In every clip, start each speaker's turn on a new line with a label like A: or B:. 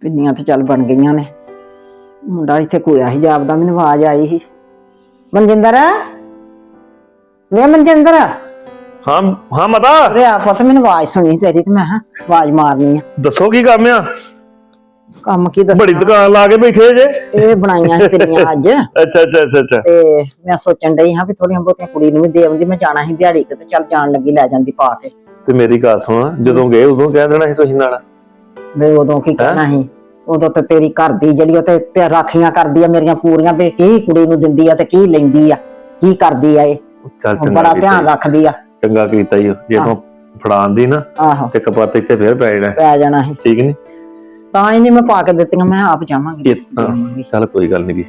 A: पिन्नियां तो चल बन गई ने। मुंडा इत्थे कोया ही जापदा, मैनूं आवाज आई ही, मनजिंदर वे मनजिंदर।
B: हाँ हाँ माता
A: अरे आ पुत्त, मैनूं आवाज सुनी तेरी ते मैं आवाज मारनी है।
B: दसो की काम आ?
A: काम की दस
B: बड़ी दुकान ला के बैठे जे।
A: ਇਹ ਬਣਾਈਆਂ ਸੀ ਪਿੰਨੀਆਂ ਅੱਜ
B: अच्छा अच्छा अच्छा अच्छा
A: ਤੇ ਮੈਂ ਸੋਚਣ ਡਈ ਹਾਂ ਵੀ ਥੋੜੀਆਂ ਬਹੁਤੀਆਂ ਕੁੜੀ ਨੂੰ ਵੀ ਦੇ ਆਉਂਦੀ। ਮੈਂ ਜਾਣਾ ਸੀ ਦਿਹਾੜੀ ਤੇ ਚੱਲ ਜਾਣ ਲੱਗੀ ਲੈ ਜਾਂਦੀ ਪਾ ਕੇ।
B: ਤੇ ਮੇਰੀ ਗੱਲ ਸੁਣ, ਜਦੋਂ ਗਏ ਉਦੋਂ ਕਹਿ ਦੇਣਾ ਸੀ ਤੁਸੀਂ ਨਾਲ।
A: ਵੇ ਉਦੋਂ ਕੀ ਕਹਿਣਾ ਸੀ, ਉਦੋਂ ਤੇ ਤੇਰੀ ਘਰ ਦੀ ਜਿਹੜੀ ਉਹ ਤੇ ਰਾਖੀਆਂ ਕਰਦੀ ਆ ਮੇਰੀਆਂ ਪੂਰੀਆਂ, ਵੀ ਕੀ ਕੁੜੀ ਨੂੰ ਦਿੰਦੀ ਆ ਤੇ ਕੀ ਲੈਂਦੀ ਆ, ਕੀ ਕਰਦੀ ਆ ਇਹ।
B: ਚੱਲ ਚੰਗਾ
A: ਬੜਾ ਧਿਆਨ ਰੱਖਦੀ ਆ।
B: ਚੰਗਾ ਕੀਤਾ ਹੀ ਜੇ ਤੂੰ ਫੜਾਉਂਦੀ ਨਾ
A: ਆਹੋ
B: ਤੇ ਕਪਾਤ ਇੱਥੇ ਫੇਰ
A: ਪੈ ਜਾਣਾ ਸੀ।
B: ਠੀਕ ਨਹੀਂ
A: ਤਾਂ ਹੀ ਨਹੀਂ ਮੈਂ ਪਾ ਕੇ ਦਿੱਤੀਆਂ, ਮੈਂ ਆਪ ਜਾਵਾਂਗੀ।
B: ਚੱਲ ਕੋਈ ਗੱਲ ਨਹੀਂ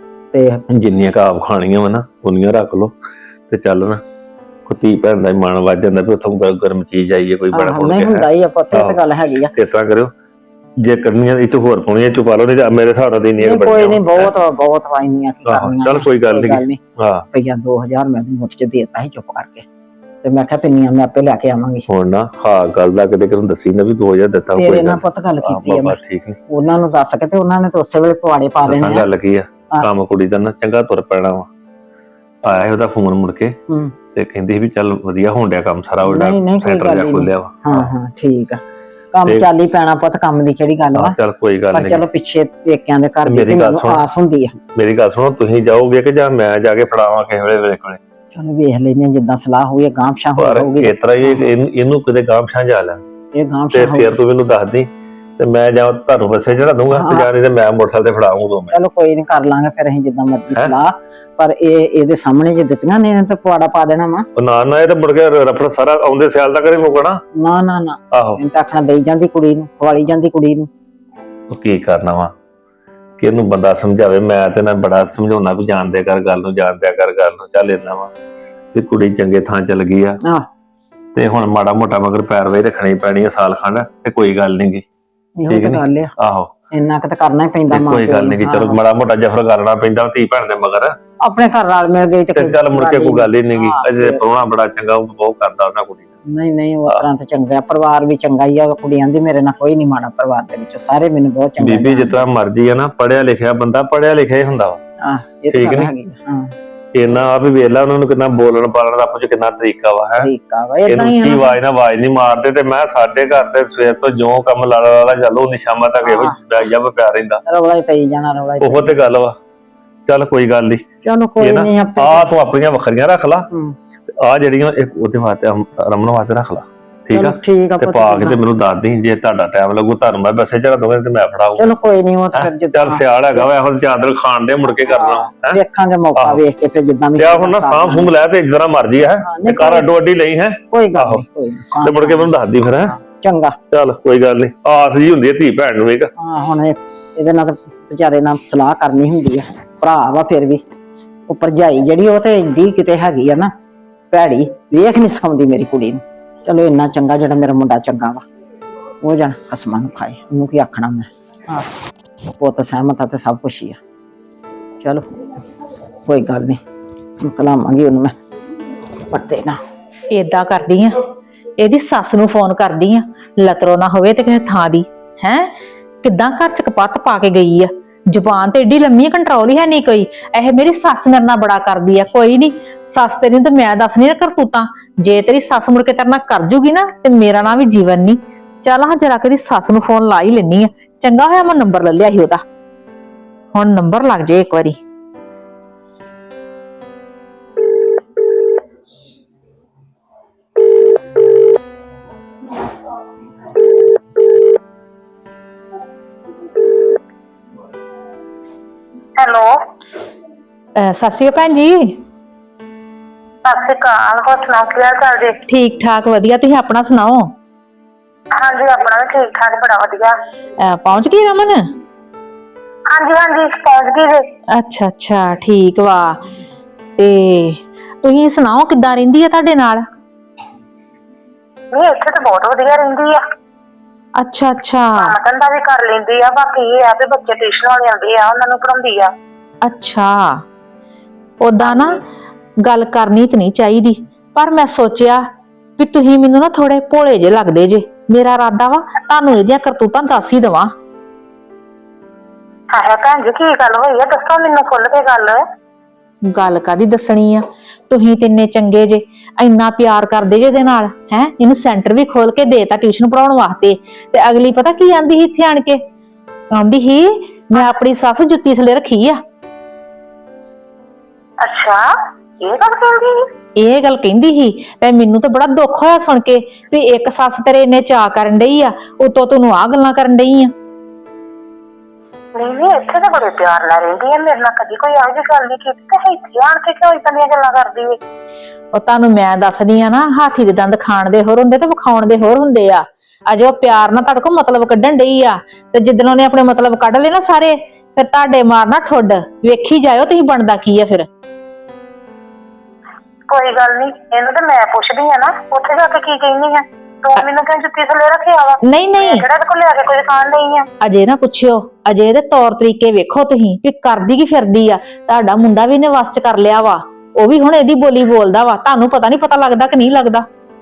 A: ਤੇ
B: ਜਿੰਨੀਆਂ ਆਪ ਖਾਣੀਆਂ ਵਾ ਨਾ ਉਨੀਆਂ ਰੱਖ ਲੋ ਤੇ ਚੱਲ ਨਾ ਕੁੱਤੀ ਭੈਣ ਦਾ ਮਨ ਵੱਜ ਜਾਂਦਾ ਵੀ ਉੱਥੋਂ ਗਰਮ ਚੀਜ਼ ਆਈਏ ਕੋਈ ਬੜਾ ਬਣ
A: ਨਹੀਂ ਹੁੰਦਾ ਹੀ ਆ ਪੁੱਤ, ਇਹ ਤਾਂ ਗੱਲ ਹੈਗੀ ਆ।
B: ਇਸ ਤਰ੍ਹਾਂ ਕਰਿਓ ਜੇ ਕਰਨੀਆਂ ਇਹ ਤੋਂ ਹੋਰ ਪਾਉਣੀਆਂ ਚੁਪਾ ਲਓ, ਨਹੀਂ ਮੇਰੇ ਹਿਸਾਬ ਨਾਲ ਨਹੀਂ
A: ਕੋਈ ਨਹੀਂ, ਬਹੁਤ ਵਾਈਨੀਆਂ ਕੀ ਕਰਨੀਆਂ।
B: ਚੱਲ ਕੋਈ ਗੱਲ ਨਹੀਂ। ਹਾਂ
A: ਭਈਆ 2000 ਮੈਂ ਮੁੱਠ ਚ ਦੇਤਾ ਸੀ ਚੁੱਪ ਕਰਕੇ, ਤੇ ਮੈਂ ਕਿਹਾ ਪਿੰਨੀਆਂ ਮੈਂ ਆਪੇ ਲੈ ਕੇ ਆਵਾਂਗੀ।
B: ਹੁਣ ਨਾ ਹਾਂ ਗੱਲ ਦਾ ਕਿਤੇ ਕਿਹਨੂੰ ਦੱਸੀ ਨਾ ਵੀ 2000 ਦਿੱਤਾ ਕੋਈ
A: ਤੇਰੇ ਨਾਲ ਪੁੱਤ ਗੱਲ ਕੀਤੀ ਆ ਮੈਂ।
B: ਠੀਕ ਹੈ,
A: ਉਹਨਾਂ ਨੂੰ ਦੱਸ ਕੇ ਤੇ ਉਹਨਾਂ ਨੇ ਤਾਂ ਉਸੇ ਵੇਲੇ ਪਵਾੜੇ ਪਾ ਦੇਣੇ ਆ।
B: ਗੱਲ ਕੀ ਆ, ਕੰਮ ਕੁੜੀ ਦਾ ਨਾ ਚੰਗਾ ਤੁਰ ਪੈਣਾ ਵਾ। ਆਇਆ ਉਹਦਾ ਫੋਨ ਮੁੜ ਕੇ ਤੇ ਕਹਿੰਦੀ ਵੀ ਚੱਲ ਵਧੀਆ ਹੋਣ ਡਿਆ ਕੰਮ ਸਾਰਾ, ਉਹਦਾ ਸੈਂਟਰ ਜਾ ਖੋਲਿਆ ਵਾ।
A: ਹਾਂ ਠੀਕ ਆ, ਕੰਮ ਚੱਲ ਹੀ ਪੈਣਾ ਪੁੱਤ, ਕੰਮ ਦੀ ਕਿਹੜੀ ਗੱਲ ਵਾ।
B: ਚੱਲ ਕੋਈ ਗੱਲ ਨਹੀਂ,
A: ਪਰ ਚਲੋ ਪਿੱਛੇ ਪੇਕਿਆਂ ਦੇ ਘਰ ਦੀ ਆਸ ਹੁੰਦੀ ਆ।
B: ਮੇਰੀ ਗੱਲ ਸੁਣੋ, ਤੁਸੀਂ ਜਾਓਗੇ ਕਿ ਜਾਂ ਮੈਂ ਜਾ ਕੇ ਫੜਾਵਾਂ ਕਿਸੇ ਵੇਲੇ ਕੋਲੇ?
A: ਚਲੋ ਵੇਖ ਲੈਨੇ ਜਿੱਦਾਂ ਸਲਾਹ ਹੋਈ, ਗਾਂਵਸ਼ਾਂ ਹੋਊਗੀ
B: ਇਸ ਤਰ੍ਹਾਂ ਇਹਨੂੰ ਕਿਤੇ ਗਾਂਵਸ਼ਾਂ ਜਾ ਲੈ
A: ਇਹ ਗਾਂਵਸ਼ਾਂ
B: ਤੇ ਫਿਰ ਤੂੰ ਮੈਨੂੰ ਦੱਸ ਦੀ ਤੇ ਮੈਂ ਜਾਂ ਤੁਹਾਨੂੰ ਬੱਸੇ ਚੜਾ ਦੂੰਗਾ ਤੇ ਜਾਂ ਨਹੀਂ ਤੇ ਮੈਂ ਮੋਟਰਸਾਈਕਲ ਤੇ ਫੜਾਉਂਗਾ।
A: ਚਲੋ ਕੋਈ ਨਹੀਂ, ਕਰ ਲਾਂਗੇ ਫਿਰ ਅਸੀਂ ਜਿੱਦਾਂ ਮਰਜ਼ੀ ਸਲਾਹ। ਪਰ ਇਹਦੇ ਸਾਹਮਣੇ ਜੇ ਦਿੱਤੀਆਂ ਨੇ ਤਾਂ ਪਵਾੜਾ ਪਾ ਦੇਣਾ ਵਾ।
B: ਨਾ ਨਾ ਇਹ ਤਾਂ ਮੁੜ ਕੇ ਰਫੜ ਸਾਰਾ ਆਉਂਦੇ ਸਿਆਲ ਤੱਕ ਨਹੀਂ ਮੁੱਕਣਾ।
A: ਨਾ ਨਾ ਨਾ
B: ਆਹੋ
A: ਇਹ ਤਾਂ ਆਖਣਾ ਦੇਈ ਜਾਂਦੀ ਕੁੜੀ ਨੂੰ, ਖਵਾਲੀ ਜਾਂਦੀ ਕੁੜੀ ਨੂੰ।
B: ਉਹ ਕੀ ਕਰਨਾ ਵਾ ਕਿ ਇਹਨੂੰ ਬੰਦਾ ਸਮਝਾਵੇ। ਮੈਂ ਤੇ ਨਾ ਬੜਾ ਸਮਝਾਉਣਾ ਵੀ ਜਾਣਦਿਆ ਕਰ ਗੱਲ ਨੂੰ, ਜਾਣਦਿਆ ਕਰ ਗੱਲ ਨੂੰ। ਚੱਲ ਇੰਨਾ ਵਾ ਵੀ ਕੁੜੀ ਚੰਗੇ ਥਾਂ ਚੱਲ ਗਈ ਆ ਤੇ ਹੁਣ ਮਾੜਾ ਮੋਟਾ ਮਗਰ ਪੈਰਵਾਈ ਰੱਖਣੀ ਪੈਣੀ ਆ ਸਾਲ ਖੰਡ, ਤੇ ਕੋਈ ਗੱਲ ਨੀ ਗੀ।
A: ਠੀਕ ਹੈ ਗੱਲ ਆ।
B: ਆਹੋ
A: ਇੰਨਾ ਕਿ ਤਾਂ ਕਰਨਾ ਹੀ ਪੈਂਦਾ।
B: ਕੋਈ ਗੱਲ ਨੀ, ਚਲੋ ਮਾੜਾ ਮੋਟਾ ਜਫਰ ਕਰਨਾ ਪੈਂਦਾ ਧੀ ਭੈਣ ਦੇ ਮਗਰ।
A: ਆਪਣੇ ਘਰ ਨਾਲ ਮਿਲ ਗਈ ਤੇ
B: ਚੱਲ ਮੁੜ ਕੇ ਕੋਈ ਗੱਲ ਹੀ ਨੀ ਗੀ। ਅਜੇ ਪ੍ਰਾਹੁਣਾ ਬੜਾ ਚੰਗਾ, ਉਹ ਬਹੁਤ ਕਰਦਾ ਉਹਨਾਂ ਕੁੜੀ ਨੂੰ।
A: ਨਹੀਂ ਉਹ ਤਰ੍ਹਾਂ ਤਾਂ ਚੰਗਾ, ਪਰਿਵਾਰ ਵੀ ਚੰਗਾ ਹੀ ਆ। ਕੁੜੀ ਆਂਦੀ ਮੇਰੇ ਨਾਲ ਕੋਈ ਨੀ ਮਾੜਾ, ਪਰਿਵਾਰ ਦੇ ਵਿੱਚੋਂ ਸਾਰੇ ਮੈਨੂੰ ਬਹੁਤ ਚੰਗੇ।
B: ਬੀਬੀ ਜਿੱਦਾਂ ਮਰਜੀ ਆ ਨਾ, ਪੜਿਆ ਲਿਖਿਆ ਬੰਦਾ ਪੜਿਆ ਲਿਖਿਆ ਹੀ ਹੁੰਦਾ ਵਾ।
A: ਠੀਕ ਨੀ,
B: ਇੰਨਾ ਆ ਵੀ ਵੇਖ ਲਾ ਉਹਨਾਂ ਨੂੰ ਕਿੰਨਾ ਬੋਲਣ ਪਾਲਣ ਦਾ ਕੁਝ ਕਿੰਨਾ ਤਰੀਕਾ ਵਾ ਹੈ।
A: ਇਹਨੂੰ
B: ਕੀ ਆਵਾਜ਼ ਨਾ ਆਵਾਜ਼ ਨਹੀਂ ਮਾਰਦੇ। ਤੇ ਮੈਂ ਸਾਡੇ ਘਰ ਤੇ ਸਵੇਰ ਤੋਂ ਜੋ ਕੰਮ ਲਾਲਾ ਚੱਲੋ ਨੀ ਸ਼ਾਮਾਂ ਤੱਕ ਇਹੋ ਜਬ ਪਿਆ ਰਹਿੰਦਾ,
A: ਰੌਲਾ ਹੀ ਪਈ ਜਾਣਾ, ਰੌਲਾ ਹੀ।
B: ਉਹ ਤੇ ਗੱਲ ਵਾ। ਚੱਲ ਕੋਈ ਗੱਲ ਨੀ,
A: ਚਲੋ ਕੋਈ ਨਹੀਂ।
B: ਆ ਤੂੰ ਆਪਣੀਆਂ ਵੱਖਰੀਆਂ ਰੱਖ ਲਾ, ਆ ਜਿਹੜੀਆਂ ਉਹਦੇ ਵਾਸਤੇ ਰਮਨ ਵਾਸਤੇ ਰੱਖ ਲਾ। ਠੀਕ ਆ, ਤੇ ਪਾ ਕੇ ਤੇ ਮੈਨੂੰ ਦੱਸ ਦੀ। ਜੇ ਤੁਹਾਡਾ ਟਾਈਮ ਲੱਗੂ ਤੁਹਾਨੂੰ ਮੈਂ ਬੱਸੇ ਚੜਾ ਦੂੰਗਾ ਤੇ ਮੈਂ ਫੜਾਊਗਾ।
A: ਚਲੋ ਕੋਈ ਨਹੀਂ, ਉਹ ਤਾਂ ਫਿਰ ਜਿੱਦਾਂ
B: ਚੱਲ ਸਿਆਲ ਹੈਗਾ ਵਾ, ਇਹੋ ਚਾਦਰ ਖਾਣ ਦੇ ਮੁੜ ਕੇ ਕਰਨਾ
A: ਵੇਖਾਂਗੇ ਮੌਕਾ ਵੇਖ ਕੇ ਫਿਰ ਜਿੱਦਾਂ ਵੀ।
B: ਹੁਣ ਨਾ ਸਾਂਭ ਸੂੰਭ ਲੈ ਤੇ ਜਿਸ ਤਰ੍ਹਾਂ ਮਰਜੀ ਹੈ ਤੇ ਘਰ ਅੱਡੋ ਅੱਡੀ ਲਈ ਹੈ।
A: ਕੋਈ ਗੱਲ ਨਹੀਂ,
B: ਤੇ ਮੁੜ ਕੇ ਮੈਨੂੰ ਦੱਸਦੀ ਫਿਰ। ਹੈ
A: ਚੰਗਾ,
B: ਚੱਲ ਕੋਈ ਗੱਲ ਨਹੀਂ। ਆਸ ਜੀ ਹੁੰਦੀ ਹੈ ਧੀ ਭੈਣ ਨੂੰ।
A: ਹਾਂ ਹੁਣ ਇਹਦੇ ਨਾਲ ਤਾਂ ਵਿਚਾਰੇ ਨਾਲ ਸਲਾਹ ਕਰਨੀ ਹੁੰਦੀ ਆ। ਭਰਾ ਵਾ ਫਿਰ ਵੀ ਉਹ ਭਰਜਾਈ ਜਿਹੜੀ ਉਹ ਤੇ ਇੰਡੀ ਕਿਤੇ ਹੈਗੀ ਆ ਨਾ ਭੈੜੀ, ਵੇਖ ਨਹੀਂ ਸਿਖਾਉਂਦੀ ਮੇਰੀ ਕੁੜੀ ਨੂੰ। ਚਲੋ ਇੰਨਾ ਚੰਗਾ ਜਿਹੜਾ ਮੇਰਾ ਮੁੰਡਾ ਚੰਗਾ ਵਾ, ਉਹ ਜਾਣ ਕਸਮਾਂ ਨੂੰ ਖਾਏ, ਉਹਨੂੰ ਕੀ ਆਖਣਾ ਮੈਂ। ਪੁੱਤ ਸਹਿਮਤ ਆ ਤੇ ਸਭ ਕੁਛ ਹੀ ਆ। ਚਲੋ ਕੋਈ ਗੱਲ ਨਹੀਂ, ਕਲਾਵਾਂਗੀ ਉਹਨੂੰ ਮੈਂ ਪੱਤੇ ਨਾ।
C: ਏਦਾਂ ਕਰਦੀ ਆ, ਇਹਦੀ ਸੱਸ ਨੂੰ ਫੋਨ ਕਰਦੀ ਆ, ਲਤਰੋ ਨਾ ਹੋਵੇ ਤੇ ਕਿਸੇ ਥਾਂ ਦੀ। ਹੈ ਕਿੱਦਾਂ ਘਰ ਚ ਕਪੱਤ ਪਾ ਕੇ ਗਈ ਆ, ਜ਼ੁਬਾਨ ਤੇ ਏਡੀ ਲੰਮੀ, ਕੰਟਰੋਲ ਹੀ ਹੈ ਨਹੀਂ ਕੋਈ। ਇਹ ਮੇਰੀ ਸੱਸ ਮੇਰੇ ਨਾਲ ਬੜਾ ਕਰਦੀ ਆ। ਕੋਈ ਨਹੀਂ, ਸੱਸ ਤੇਰੀ ਤੇ ਮੈਂ ਦੱਸਣੀ ਨਾ ਕਰਤੂਤਾਂ। ਜੇ ਤੇਰੀ ਸੱਸ ਮੁੜ ਕੇ ਤੇਰੇ ਨਾਲ ਕਰ ਜੂਗੀ ਨਾ ਤੇ ਮੇਰਾ ਨਾਂ ਵੀ ਜੀਵਨ ਨਹੀਂ। ਚੱਲ ਹਾਂ ਜਰਾ ਕਦੀ ਸੱਸ ਨੂੰ ਫੋਨ ਲਾ ਹੀ ਲੈਣੀ ਆ। ਚੰਗਾ ਹੋਇਆ ਮੈਂ ਨੰਬਰ ਲੈ ਲਿਆ ਸੀ ਉਹਦਾ, ਹੁਣ ਨੰਬਰ ਲੱਗ ਜੇ ਇੱਕ ਵਾਰੀ।
D: ਹੈਲੋ,
C: ਸਤਿ ਸ਼੍ਰੀ ਅਕਾਲ ਭੈਣ ਜੀ।
D: ਸਤਿ ਸ਼੍ਰੀ ਅਕਾਲ। ਹੋਰ ਸੁਣਾਓ, ਕੀ ਹਾਲ ਚਾਲ ਜੀ?
C: ਠੀਕ ਠਾਕ ਵਧੀਆ, ਤੁਸੀਂ ਆਪਣਾ ਸੁਣਾਓ?
D: ਹਾਂਜੀ ਆਪਣਾ ਵੀ ਠੀਕ ਠਾਕ, ਬੜਾ ਵਧੀਆ।
C: ਪਹੁੰਚ ਗਈ ਰਮਨ?
D: ਹਾਂਜੀ ਪਹੁੰਚ ਗਈ ਜੀ।
C: ਅੱਛਾ ਅੱਛਾ ਠੀਕ ਵਾ। ਤੇ ਤੁਸੀਂ ਸੁਣਾਓ ਕਿੱਦਾਂ ਰਹਿੰਦੀ ਆ ਤੁਹਾਡੇ ਨਾਲ?
D: ਨਹੀਂ ਇੱਥੇ ਤਾਂ ਬਹੁਤ ਵਧੀਆ ਰਹਿੰਦੀ ਆ।
C: ਅੱਛਾ ਅੱਛਾ,
D: ਕੰਮ ਧੰਦਾ ਵੀ ਕਰ ਲੈਂਦੀ ਆ। ਬਾਕੀ ਇਹ ਆ ਵੀ ਬੱਚੇ ਟਿਊਸ਼ਨ ਵਾਲੇ ਆਉਂਦੇ ਆ, ਉਹਨਾਂ ਨੂੰ ਪੜਾਉਂਦੀ ਆ।
C: ਅੱਛਾ, ਓਦਾਂ ਨਾ ਗੱਲ ਕਰਨੀ ਤੇ ਨਹੀਂ ਚਾਹੀਦੀ, ਪਰ ਮੈਂ ਸੋਚਿਆ ਵੀ ਤੁਸੀਂ ਮੈਨੂੰ ਨਾ ਥੋੜੇ ਭੋਲੇ ਜਿਹੇ ਲੱਗਦੇ ਜੇ। ਮੇਰਾ ਇਰਾਦਾ ਵਾ ਤੁਹਾਨੂੰ ਇਹਦੀਆਂ ਕਰਤੂਤਾਂ ਦੱਸ ਹੀ ਦੇਵਾਂ।
D: ਹੈ ਭੈਣ ਜੀ ਕੀ ਗੱਲ ਹੋਈ ਆ, ਦੱਸੋ ਮੈਨੂੰ ਖੁੱਲ ਕੇ ਗੱਲ।
C: ਗੱਲ ਕਾਦੀ ਦੱਸਣੀ ਆ, ਤੁਸੀਂ ਤਿੰਨੇ ਚੰਗੇ ਜੇ, ਇੰਨਾ ਪਿਆਰ ਕਰਦੇ ਜੇ ਇਹਦੇ ਨਾਲ ਹੈ। ਇਹਨੂੰ ਸੈਂਟਰ ਵੀ ਖੋਲ ਕੇ ਦੇਤਾ ਟਿਊਸ਼ਨ ਪੜਾਉਣ ਵਾਸਤੇ। ਤੇ ਅਗਲੀ ਪਤਾ ਕੀ ਆਂਦੀ ਸੀ ਇੱਥੇ ਆਣ ਕੇ, ਆਂਦੀ ਸੀ ਮੈਂ ਆਪਣੀ ਸੱਸ ਜੁੱਤੀ ਥੱਲੇ ਰੱਖੀ ਆ।
D: ਅੱਛਾ, ਇਹ ਗੱਲ ਕਹਿੰਦੀ ਸੀ?
C: ਇਹ ਗੱਲ ਕਹਿੰਦੀ ਸੀ ਤੇ ਮੈਨੂੰ ਤਾਂ ਬੜਾ ਦੁੱਖ ਹੋਇਆ ਸੁਣ ਕੇ ਵੀ ਇੱਕ ਸੱਸ ਤੇਰੇ ਇੰਨੇ ਚਾਅ ਕਰਨ ਡਈ ਆ, ਉਤੋਂ ਤੈਨੂੰ ਆਹ ਗੱਲਾਂ ਕਰਨ ਡਈ ਆ।
D: ਨਹੀਂ ਇੱਥੇ ਤਾਂ ਬੜੇ ਪਿਆਰ ਨਾਲ ਰਹਿੰਦੀ ਹੈ, ਮੇਰੇ ਨਾਲ ਕਦੀ ਕੋਈ ਇਹੋ ਜਿਹੀ ਗੱਲ ਨਹੀਂ ਕੀਤੀ, ਤੇ ਇੱਥੇ ਆਣ ਕੇ ਕਿਉਂ ਇਦਾਂ ਦੀਆਂ ਗੱਲਾਂ ਕਰਦੀ ਹੈ?
C: ਉਹ ਤੁਹਾਨੂੰ ਮੈਂ ਦੱਸਦੀ ਆ ਨਾ, ਹਾਥੀ ਦੇ ਦੰਦ ਖਾਣ ਦੇ ਹੋਰ ਹੁੰਦੇ ਤੇ ਵਿਖਾਉਣ ਦੇ ਹੋਰ ਹੁੰਦੇ ਆ। ਅਜੇ ਉਹ ਪਿਆਰ ਨਾਲ ਤੁਹਾਡੇ ਕੋਲ ਮਤਲਬ ਕੱਢਣ ਡਈ ਆ, ਤੇ ਜਿੱਦਣ ਉਹਨੇ ਆਪਣੇ ਮਤਲਬ ਕੱਢ ਲਏ ਨਾ ਸਾਰੇ, ਫਿਰ ਤੁਹਾਡੇ ਮਾਰਨਾ ਠੁੱਡ। ਵੇਖੀ ਜਾਇਓ ਤੁਸੀਂ ਬਣਦਾ ਕੀ ਆ ਫਿਰ।
D: ਕੋਈ ਗੱਲ ਨਹੀਂ, ਇਹਨੂੰ ਤਾਂ ਮੈਂ ਪੁੱਛਦੀ ਆ ਨਾ ਉੱਥੇ ਜਾ ਕੇ ਕੀ ਕਹਿੰਦੀ ਆ। ਤੂੰ ਮੈਨੂੰ ਕਿਉਂ ਜੁੱਤੀ ਥੱਲੇ ਰੱਖਿਆ ਵਾ?
C: ਨਹੀਂ
D: ਕਿਹੜਾ ਕੋਲ ਲਿਆ ਕੇ ਕੋਈ ਖਾਣ ਨਹੀਂ ਆ।
C: ਅਜੇ ਨਾ ਪੁੱਛਿਓ, ਅਜੇ ਇਹਦੇ ਤੌਰ ਤਰੀਕੇ ਵੇਖੋ ਤੁਸੀਂ ਵੀ ਕਰਦੀ ਕੀ ਫਿਰਦੀ ਆ। ਤੁਹਾਡਾ ਮੁੰਡਾ ਵੀ ਇਹਨੇ ਵਸ ਚ ਕਰ ਲਿਆ ਵਾ, ਉਹ ਵੀ ਹੁਣ ਇਹਦੀ ਬੋਲੀ ਬੋਲਦਾ ਵਾ। ਤੁਹਾਨੂੰ ਪਤਾ ਨਹੀਂ ਪਤਾ ਲੱਗਦਾ ਕਿ ਨਹੀਂ ਲੱਗਦਾ?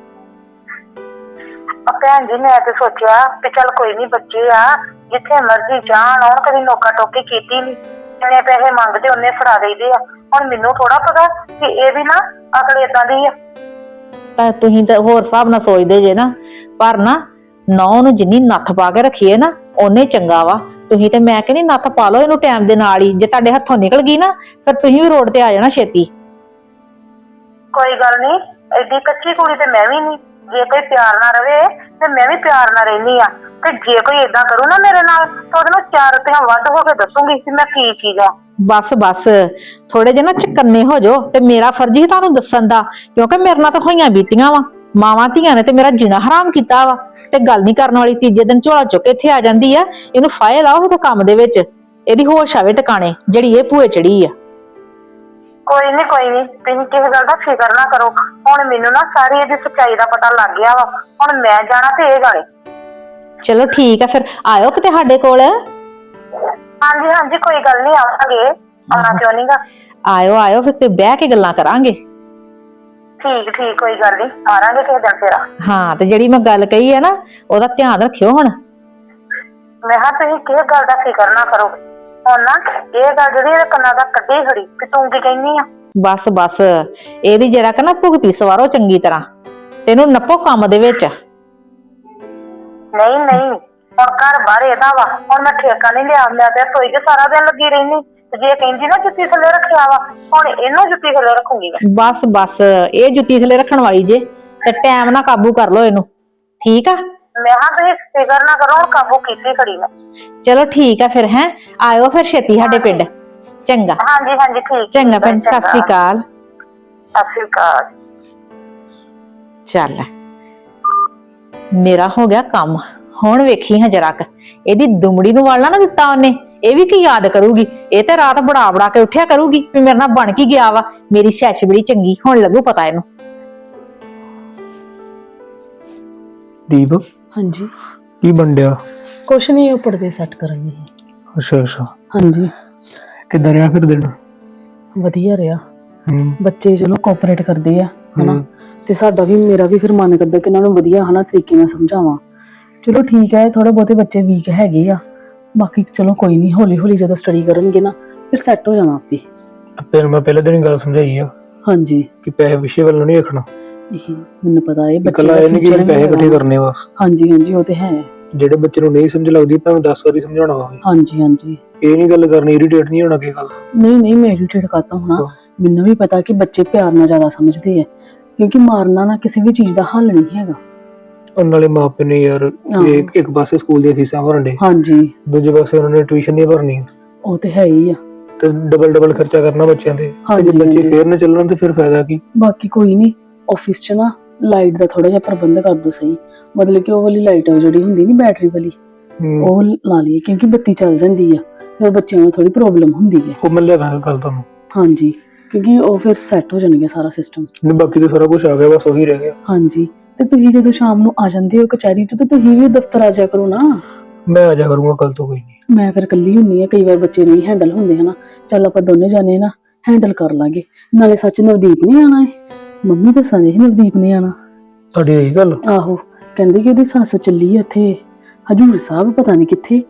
D: ਭੈਣ ਜੀ ਮੈਂ ਤੇ ਸੋਚਿਆ ਕਿ ਚੱਲ ਕੋਈ ਨੀ, ਬੱਚੇ ਆ ਜਿੱਥੇ ਮਰਜ਼ੀ ਜਾਣ ਆਉਣ, ਕਦੀ ਨੋਕਾ ਟੋਕੀ ਕੀਤੀ ਨੀ। ਜਿੰਨੇ ਪੈਸੇ ਮੰਗਦੇ ਉਹਨੇ ਫੜਾ ਦੇਈਦੇ ਆ। ਹੁਣ ਮੈਨੂੰ ਥੋੜਾ ਪਤਾ ਕਿ ਇਹ ਵੀ ਨਾ ਅਕਲ ਏਦਾਂ ਦੀ ਆ।
C: ਤਾਂ ਤੁਸੀਂ ਤਾਂ ਹੋਰ ਹਿਸਾਬ ਨਾਲ ਸੋਚਦੇ ਜੇ ਨਾ, ਪਰ ਨਾ ਨੌ ਨੂੰ ਜਿੰਨੀ ਨੱਥ ਪਾ ਕੇ ਰੱਖੀਏ ਨਾ ਉਹਨੇ ਚੰਗਾ ਵਾ। ਤੁਸੀਂ ਤੇ ਮੈਂ ਕਹਿੰਦੀ ਨੱਥ ਪਾ ਲਓ ਇਹਨੂੰ ਟਾਈਮ ਦੇ ਨਾਲ ਹੀ। ਜੇ ਤੁਹਾਡੇ ਹੱਥੋਂ ਨਿਕਲ ਗਈ ਨਾ ਫਿਰ ਤੁਸੀਂ ਵੀ ਰੋਡ ਤੇ ਆ ਜਾਣਾ ਛੇਤੀ।
D: ਕੋਈ ਗੱਲ ਨਹੀਂ, ਐਡੀ ਕੱਚੀ ਕੁੜੀ ਤੇ ਮੈਂ ਵੀ ਨਹੀਂ। ਜੇ ਕੋਈ ਪਿਆਰ ਨਾਲ ਰਵੇ ਤੇ ਮੈਂ ਵੀ ਪਿਆਰ ਨਾਲ ਰਹਿੰਦੀ ਆ, ਤੇ ਜੇ ਕੋਈ ਏਦਾਂ ਕਰੂ ਨਾ ਮੇਰੇ ਨਾਲ ਤਾਂ ਉਹਦੇ ਨਾਲ 4 ਰੁਪਈਆ ਵੱਧ ਹੋ ਕੇ ਦੱਸੂਗੀ ਕਿ ਮੈਂ ਕੀ ਚੀਜ਼ ਆ।
C: ਬਸ ਥੋੜੇ ਜਿਹੇ ਨਾ ਚਕੰਨੇ ਹੋ ਜਾਓ, ਤੇ ਮੇਰਾ ਫਰਜ਼ ਹੀ ਤੁਹਾਨੂੰ ਦੱਸਣ ਦਾ, ਕਿਉਂਕਿ ਮੇਰੇ ਨਾਲ ਤਾਂ ਹੋਈਆਂ ਬੀਤੀਆਂ ਵਾ। ਮਾਵਾਂ ਧੀਆਂ ਨੇ ਤੇ ਮੇਰਾ ਜੀਣਾ ਹਰਾਮ ਕੀਤਾ ਵਾ, ਤੇ ਗੱਲ ਨਹੀਂ ਕਰਨ ਵਾਲੀ ਤੀਜੇ ਦਿਨ ਝੋਲਾ ਚੁੱਕ ਕੇ ਇੱਥੇ ਆ ਜਾਂਦੀ ਆ। ਇਹਨੂੰ ਫਾਇਲ ਲਾਓ ਇਹਦੇ ਕੰਮ ਦੇ ਵਿੱਚ, ਇਹਦੀ ਹੋਸ਼ ਆਵੇ ਟਿਕਾਣੇ ਜਿਹੜੀ ਇਹ ਭੂਏ ਚੜੀ ਆ।
D: ਕੋਈ ਨੀ ਤੁਸੀਂ ਕਿਸੇ ਗੱਲ ਦਾ ਫਿਕਰ ਨਾ ਕਰੋ। ਹੁਣ ਮੈਨੂੰ ਨਾ ਸਾਰੀ ਇਹਦੀ ਸੱਚਾਈ ਦਾ ਪਤਾ ਲੱਗ ਗਿਆ ਵਾ। ਹੁਣ ਮੈਂ ਜਾਣਾ ਤੇ ਇਹ ਜਾਣੇ।
C: ਚਲੋ ਠੀਕ ਆ, ਫਿਰ ਆਇਓ ਕਿਤੇ ਸਾਡੇ ਕੋਲ।
D: ਹਾਂਜੀ ਕੋਈ ਗੱਲ ਨਹੀਂ, ਆਵਾਂਗੇ। ਆਉਣਾ ਕਿਉਂ ਨੀਗਾ।
C: ਆਇਓ ਫਿਰ ਤੇ ਬਹਿ ਕੇ ਗੱਲਾਂ ਕਰਾਂਗੇ।
D: ਠੀਕ ਕੋਈ ਗੱਲ ਨਹੀਂ, ਮਾਰਾਂਗੇ ਕਿਸੇ ਦਿਨ ਫੇਰਾ।
C: ਹਾਂ, ਤੇ ਜਿਹੜੀ ਮੈਂ ਗੱਲ ਕਹੀ ਹੈ ਨਾ ਉਹਦਾ ਧਿਆਨ ਰੱਖਿਓ ਹੁਣ।
D: ਮੈਂ ਕਿਹਾ ਤੁਸੀਂ ਕਿਸੇ ਗੱਲ ਦਾ ਫਿਕਰ ਨਾ ਕਰੋ। ਹੁਣ ਨਾ ਇਹ ਗੱਲ ਜਿਹੜੀ ਇਹਦੇ ਕੰਨਾਂ ਦਾ ਕੱਢੀ ਖੜੀ ਕਿ ਤੂੰ ਕੀ ਕਹਿੰਦੀ ਆ।
C: ਬਸ ਇਹਦੀ ਜਿਹੜਾ ਕਿ ਨਾ ਭੁਗਤੀ ਸਵਾਰੋ ਚੰਗੀ ਤਰ੍ਹਾਂ, ਤੈਨੂੰ ਨੱਪੋ ਕੰਮ ਦੇ ਵਿੱਚ।
D: ਨਹੀਂ ਹੁਣ ਘਰ ਬਾਹਰ ਇਹਦਾ ਵਾ। ਹੁਣ ਮੈਂ ਠੇਕਾ ਨਹੀਂ ਲਿਆ, ਮੈਂ ਤੇ ਰਸੋਈ 'ਚ ਸਾਰਾ ਦਿਨ ਲੱਗੀ ਰਹਿੰਦੀ। ਤੇ ਜੇ ਕਹਿੰਦੀ ਨਾ ਜੁੱਤੀ ਥੱਲੇ ਰੱਖਿਆ ਵਾ, ਹੁਣ ਇਹਨੂੰ ਜੁੱਤੀ ਥੱਲੇ ਰੱਖੂਗੀ ਮੈਂ।
C: ਬਸ ਇਹ ਜੁੱਤੀ ਥੱਲੇ ਰੱਖਣ ਵਾਲੀ ਜੇ, ਤੇ ਟਾਈਮ ਨਾਲ ਕਾਬੂ ਕਰ ਲਓ ਇਹਨੂੰ, ਠੀਕ ਆ?
D: ਮੈਂ ਕਿਹਾ ਤੁਸੀਂ ਫਿਕਰ ਨਾ ਕਰੋ, ਹੁਣ ਕਾਬੂ ਕੀਤੀ ਖੜੀ ਮੈਂ।
C: ਚਲੋ ਠੀਕ ਆ ਫਿਰ, ਹੈ ਆਇਓ ਫਿਰ ਛੇਤੀ ਸਾਡੇ ਪਿੰਡ। ਚੰਗਾ।
D: ਹਾਂਜੀ ਠੀਕ।
C: ਚੰਗਾ ਭੈਣ, ਸਤਿ ਸ੍ਰੀ ਅਕਾਲ।
D: ਸਤਿ ਸ੍ਰੀ ਅਕਾਲ।
C: ਚੱਲ ਮੇਰਾ ਹੋ ਗਿਆ ਕੰਮ। ਹੁਣ ਵੇਖੀ ਹਾਂ ਜਰਾ ਕ ਇਹਦੀ ਦੁਮੜੀ ਨੂੰ ਵਾਲਣਾ ਨਾ ਦਿੱਤਾ ਉਹਨੇ, ਇਹ ਵੀ ਕੀ ਯਾਦ ਕਰੂਗੀ। ਇਹ ਤੇ ਰਾਤ ਬੜਾ ਕੇ ਉੱਠਿਆ ਕਰੂਗੀ ਵੀ ਮੇਰੇ ਨਾਲ ਬਣ ਕੀ ਗਿਆ ਵਾ। ਮੇਰੀ ਸੱਸ ਬੜੀ ਚੰਗੀ, ਹੁਣ ਲੱਗੂ ਪਤਾ ਇਹਨੂੰ।
E: ਦੀਪ,
F: ਹਾਂਜੀ
E: ਕੀ ਬੰਡਿਆ?
F: ਕੁਛ ਨਹੀਂ, ਉਹ ਪਰਦੇ ਸੈੱਟ ਕਰਨ ਦੀ।
E: ਅੱਛਾ
F: ਹਾਂਜੀ,
E: ਕਿੱਦਾਂ ਰਿਹਾ ਫਿਰ ਦਿਨ?
F: ਵਧੀਆ ਰਿਹਾ।
E: ਹੂੰ
F: ਬੱਚੇ ਚਲੋ ਕੋਆਪਰੇਟ ਕਰਦੇ ਆ ਹਨਾ, ਤੇ ਸਾਡਾ ਵੀ ਮੇਰਾ ਵੀ ਫਿਰ ਮਨ ਕਰਦਾ ਕਿ ਇਹਨਾਂ ਨੂੰ ਵਧੀਆ ਹਨਾ ਤਰੀਕੇ ਨਾਲ ਸਮਝਾਵਾਂ। ਚਲੋ ਠੀਕ ਹੈ, ਥੋੜੇ ਬਹੁਤੇ ਬੱਚੇ ਵੀਕ ਹੈਗੇ ਆ, ਬਾਕੀ ਚਲੋ ਕੋਈ ਨਹੀਂ, ਹੌਲੀ ਜਦੋਂ ਸਟੱਡੀ ਕਰਨਗੇ ਨਾ ਫਿਰ ਸੈੱਟ ਹੋ ਜਾਣਾ ਆਪੇ।
E: ਤੈਨੂੰ ਮੈਂ ਪਹਿਲੇ ਦਿਨ ਗੱਲ ਸਮਝਾਈ ਆ
F: ਹਾਂਜੀ,
E: ਕਿ ਪੈਸੇ ਵਿਸ਼ੇ ਵੱਲ ਨਹੀਂ ਰੱਖਣਾ।
F: ਇਹ ਮੈਨੂੰ ਪਤਾ ਹੈ ਬੱਚੇ
E: ਇਕੱਲਾ ਇਹ ਨਹੀਂ ਕਿ ਪੈਸੇ ਇਕੱਠੇ ਕਰਨੇ ਬਸ।
F: ਹਾਂਜੀ ਉਹ ਤੇ ਹੈ।
E: ਜਿਹੜੇ ਬੱਚੇ ਨੂੰ ਨਹੀਂ ਸਮਝ ਲੱਗਦੀ ਭਾਵੇਂ 10 ਵਾਰੀ ਸਮਝਾਉਣਾ ਹੋਵੇ।
F: ਹਾਂਜੀ
E: ਇਹ ਨਹੀਂ ਗੱਲ ਕਰਨੀ, ਇਰੀਟੇਟ ਨਹੀਂ ਹੋਣਾ ਕਿਸੇ ਗੱਲ ਤੋਂ।
F: ਨਹੀਂ ਮੈਂ ਇਰੀਟੇਟ ਕਰਤਾ ਹੋਣਾ। ਮੈਨੂੰ ਵੀ ਪਤਾ ਕਿ ਬੱਚੇ ਪਿਆਰ ਨਾਲ ਜ਼ਿਆਦਾ ਸਮਝਦੇ ਆ, ਕਿਉਂਕਿ ਮਾਰਨਾ ਨਾ ਕਿਸੇ ਵੀ ਚੀਜ਼ ਦਾ ਹੱਲ ਨਹੀਂ ਹੈਗਾ।
E: ਉਹਨਾਂ ਵਾਲੇ ਮਾਪੇ ਨੇ ਯਾਰ ਇੱਕ ਪਾਸੇ ਸਕੂਲ ਦੀਆਂ ਫੀਸਾਂ ਭਰਨ ਦੇ,
F: ਹਾਂਜੀ
E: ਦੂਜੇ ਪਾਸੇ ਉਹਨਾਂ ਨੇ ਟਿਊਸ਼ਨ ਦੀਆਂ ਭਰਨੀਆਂ।
F: ਉਹ ਤੇ ਹੈ ਹੀ ਆ,
E: ਤੇ ਡਬਲ ਖਰਚਾ ਕਰਨਾ ਬੱਚਿਆਂ ਤੇ। ਜੇ ਬੱਚੇ ਫੇਰ ਨਾ ਚੱਲਣ ਤੇ ਫਿਰ ਫਾਇਦਾ ਕੀ?
F: ਬਾਕੀ ਕੋਈ ਨਹੀਂ, ਆਫਿਸ 'ਚ ਨਾ ਲਾਈਟ ਦਾ ਥੋੜਾ ਜਿਹਾ ਪ੍ਰਬੰਧ ਕਰ ਦੋ ਸਹੀ। ਮਤਲਬ ਕਿ ਉਹ ਵਾਲੀ ਲਾਈਟ ਜਿਹੜੀ ਹੁੰਦੀ ਨਹੀਂ ਬੈਟਰੀ ਵਾਲੀ, ਉਹ ਲਾ ਲਈਏ, ਕਿਉਂਕਿ ਬੱਤੀ ਚੱਲ ਜਾਂਦੀ ਆ ਫਿਰ ਬੱਚਿਆਂ ਨੂੰ ਥੋੜੀ ਪ੍ਰੋਬਲਮ ਹੁੰਦੀ ਹੈ।
E: ਉਹ ਮੈਂ ਲਿਆ ਦਾਂਗਾ ਕੱਲ ਤੁਹਾਨੂੰ।
F: ਹਾਂਜੀ, ਕਿਉਂਕਿ ਉਹ ਫਿਰ ਸੈੱਟ ਹੋ ਜਾਣਗੇ ਸਾਰਾ ਸਿਸਟਮ।
E: ਨਹੀਂ ਬਾਕੀ ਤਾਂ ਸਾਰਾ ਕੁਝ ਆ ਗਿਆ, ਬਸ ਉਹੀ ਰਹਿ ਗਿਆ।
F: ਹਾਂਜੀ, ਤੇ ਤੁਸੀਂ ਜਦੋਂ ਸ਼ਾਮ ਨੂੰ ਆ ਜਾਂਦੇ ਹੋ ਕਚਹਿਰੀ 'ਚ, ਤੇ ਤੁਸੀਂ ਵੀ ਦਫ਼ਤਰ ਆ ਜਾਇਆ ਕਰੋ ਨਾ।
E: ਮੈਂ ਆ ਜਾ ਕਰੂੰਗਾ ਕੱਲ ਤੋਂ, ਕੋਈ ਨਹੀਂ।
F: ਮੈਂ ਫਿਰ ਇਕੱਲੀ ਹੁੰਦੀ ਆ, ਕਈ ਵਾਰ ਬੱਚੇ ਨਹੀਂ ਹੈਂਡਲ ਹੁੰਦੇ ਹਨਾ। ਚੱਲ ਆਪਾਂ ਦੋਨੇ ਜਾਣੇ ਨਾ ਹੈਂਡਲ ਕਰ ਲਾਂਗੇ। ਨਾਲੇ ਸੱਚ ਨਵਦੀਪ ਨਹੀਂ ਆਣਾ ਹੈ, ਮੰਮੀ ਦੱਸਾਂਦੇ ਸੀ ਨਵਦੀਪ ਨੇ ਆਣਾ।
E: ਤੁਹਾਡੀ ਇਹੀ ਗੱਲ?
F: ਆਹੋ, ਕਹਿੰਦੇ ਕਿ ਉਹਦੀ ਸੱਸ ਚੱਲੀ ਆ ਉੱਥੇ ਹਜੂਰ ਸਾਹਿਬ, ਪਤਾ ਨਹੀਂ ਕਿੱਥੇ।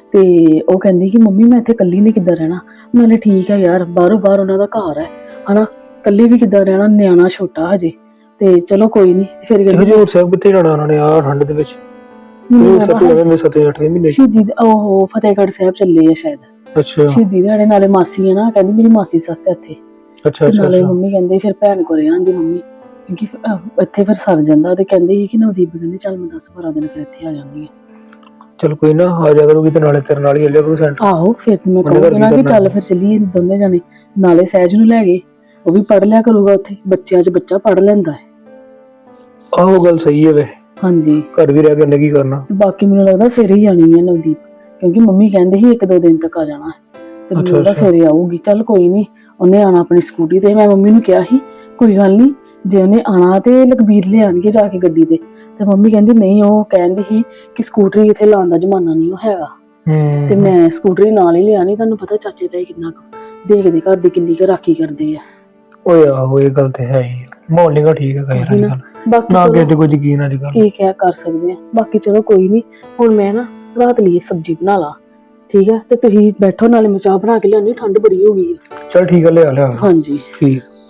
F: ਤੇ ਉਹ ਕਹਿੰਦੀ ਕਿ ਮੰਮੀ ਮੈਂ ਇੱਥੇ ਇਕੱਲੀ ਨੇ ਕਿੱਦਾਂ ਰਹਿਣਾ। ਨਾਲੇ ਠੀਕ ਹੈ ਯਾਰ, ਬਾਹਰੋਂ ਬਾਹਰ ਉਹਨਾਂ ਦਾ ਘਰ ਹੈ ਹਨਾ, ਇਕੱਲੀ ਵੀ ਕਿੱਦਾਂ ਰਹਿਣਾ, ਨਿਆਣਾ ਛੋਟਾ ਹਜੇ। ਤੇ ਚਲੋ ਕੋਈ ਨਹੀਂ। ਫਿਰ ਕਹਿੰਦੀ
E: ਹਜੂਰ ਸਾਹਿਬ ਕਿੱਥੇ ਜਾਣਾ ਉਹਨਾਂ ਨੇ ਆ ਠੰਡ ਦੇ ਵਿੱਚ? ਹਜੂਰ ਸਾਹਿਬ ਤੋਂ ਜਾਂਦੇ 7-8 ਮਹੀਨੇ।
F: ਸ਼ਹੀਦੀ ਉਹ ਫਤਿਹਗੜ੍ਹ ਸਾਹਿਬ ਚੱਲੇ ਆ ਸ਼ਾਇਦ।
E: ਅੱਛਾ
F: ਸ਼ਹੀਦੀ ਦਿਹਾੜੇ, ਨਾਲੇ ਮਾਸੀ ਹੈ ਨਾ, ਕਹਿੰਦੀ ਮੇਰੀ ਮਾਸੀ ਸੱਸ ਹੈ ਇੱਥੇ।
E: ਅੱਛਾ ਅੱਛਾ
F: ਨਾਲੇ ਮੰਮੀ ਕਹਿੰਦੇ ਫਿਰ ਭੈਣ ਕੋਲ ਆਂਦੀ ਮੰਮੀ, ਕਿਉਂਕਿ ਇੱਥੇ ਫਿਰ ਸਰ ਜਾਂਦਾ। ਤੇ ਕਹਿੰਦੇ ਸੀ ਕਿ ਨਵਦੀਪ ਕਹਿੰਦੀ ਚੱਲ ਮੈਂ 10-12 ਦਿਨ ਫਿਰ ਇੱਥੇ ਆ ਜਾਂਦੀ ਆ।
E: ਚਲ ਕੋਈ ਨਾ, ਆ ਜਾ ਕਰੂਗੀ ਤੇ ਨਾਲੇ ਤੇਰੇ ਨਾਲ ਹੀ ਚੱਲਿਆ ਕਰੂ ਸੈਂਟਰ।
F: ਆਹੋ ਫਿਰ ਮੈਂ ਕਹੂੰਗੀ ਨਾ ਕਿ ਚੱਲ ਫਿਰ ਚੱਲੀਏ ਦੋਨੇ ਜਾਣੇ, ਨਾਲੇ ਸਹਿਜ ਨੂੰ ਲੈ ਗਏ, ਉਹ ਵੀ ਪੜ੍ਹ ਲਿਆ ਕਰੂਗਾ ਉੱਥੇ, ਬੱਚਿਆਂ 'ਚ ਬੱਚਾ ਪੜ੍ਹ ਲੈਂਦਾ ਹੈ।
E: ਆਹੋ ਗੱਲ ਸਹੀ ਹੈ ਵੇ,
F: ਹਾਂਜੀ
E: ਘਰ ਵੀ ਰਹਿ ਕੇ ਉਹਨੇ ਕੀ ਕਰਨਾ।
F: ਤੇ ਬਾਕੀ ਮੈਨੂੰ ਲੱਗਦਾ ਸਵੇਰੇ ਹੀ ਆਣੀ ਹੈ ਨਵਦੀਪ, ਕਿਉਂਕਿ ਮੰਮੀ ਕਹਿੰਦੇ ਸੀ 1-2 ਦਿਨ ਤੱਕ ਆ ਜਾਣਾ ਹੈ। ਤੇ ਮੈਨੂੰ ਲੱਗਦਾ ਸਵੇਰੇ ਆਊਗੀ। ਚੱਲ ਕੋਈ ਨਹੀਂ, ਉਹਨੇ ਆਣਾ ਆਪਣੀ ਸਕੂਟੀ ਤੇ। ਮੈਂ ਮੰਮੀ ਨੂੰ ਕਿਹਾ ਸੀ ਕੋਈ ਗੱਲ ਨਹੀਂ, ਜੇ ਉਹਨੇ ਆਣਾ ਤੇ ਲਖਬੀਰ ਲਿਆਣਗੇ ਜਾ ਕੇ ਗੱਡੀ ਤੇ ਮੰਮੀ ਕਹਿੰਦੀ ਨਹੀਂ, ਉਹ ਕਹਿੰਦੀ ਸੀ ਕਿ ਸਕੂਟਰੀ ਇੱਥੇ ਲਾਉਣ ਦਾ ਜ਼ਮਾਨਾ ਨਹੀਂ ਉਹ ਹੈਗਾ। ਤੇ ਮੈਂ ਸਕੂਟਰੀ ਨਾਲ ਹੀ ਲਿਆਣੀ। ਤੁਹਾਨੂੰ ਪਤਾ ਚਾਚੇ ਤਾਏ ਕਿੰਨਾ ਦੇਖਦੇ ਘਰ ਦੀ ਕਿੰਨੀ ਕੁ ਰਾਖੀ ਕਰਦੇ ਆ।
E: ਓਏ ਆਹੋ ਇਹ ਗੱਲ ਤੇ ਹੈ ਹੀ, ਮਾਹੌਲ ਨੀਗਾ ਠੀਕ ਹੈ ਗਾਇਰ ਅੱਜ ਕੱਲ,
F: ਬਾਕੀ
E: ਨਾ ਕਿਸੇ ਤੇ ਕੋਈ ਯਕੀਨ ਅੱਜ ਕੱਲ।
F: ਕੀ ਕਹਿ ਕਰ ਸਕਦੇ ਆ। ਬਾਕੀ ਚਲੋ ਕੋਈ ਨਹੀਂ, ਹੁਣ ਮੈਂ ਨਾ ਰਾਤ ਲਈ ਸਬਜ਼ੀ ਬਣਾ ਲਾ, ਠੀਕ ਹੈ? ਤੇ ਤੁਸੀਂ ਬੈਠੋ, ਨਾਲੇ ਮੈਂ ਚਾਹ ਬਣਾ ਕੇ ਲਿਆਉਣੀ, ਠੰਡ ਬੜੀ ਹੋ ਗਈ ਹੈ।
E: ਚਲ ਠੀਕ ਹੈ, ਲਿਆ ਲਿਆ।
F: ਹਾਂਜੀ
E: ਠੀਕ।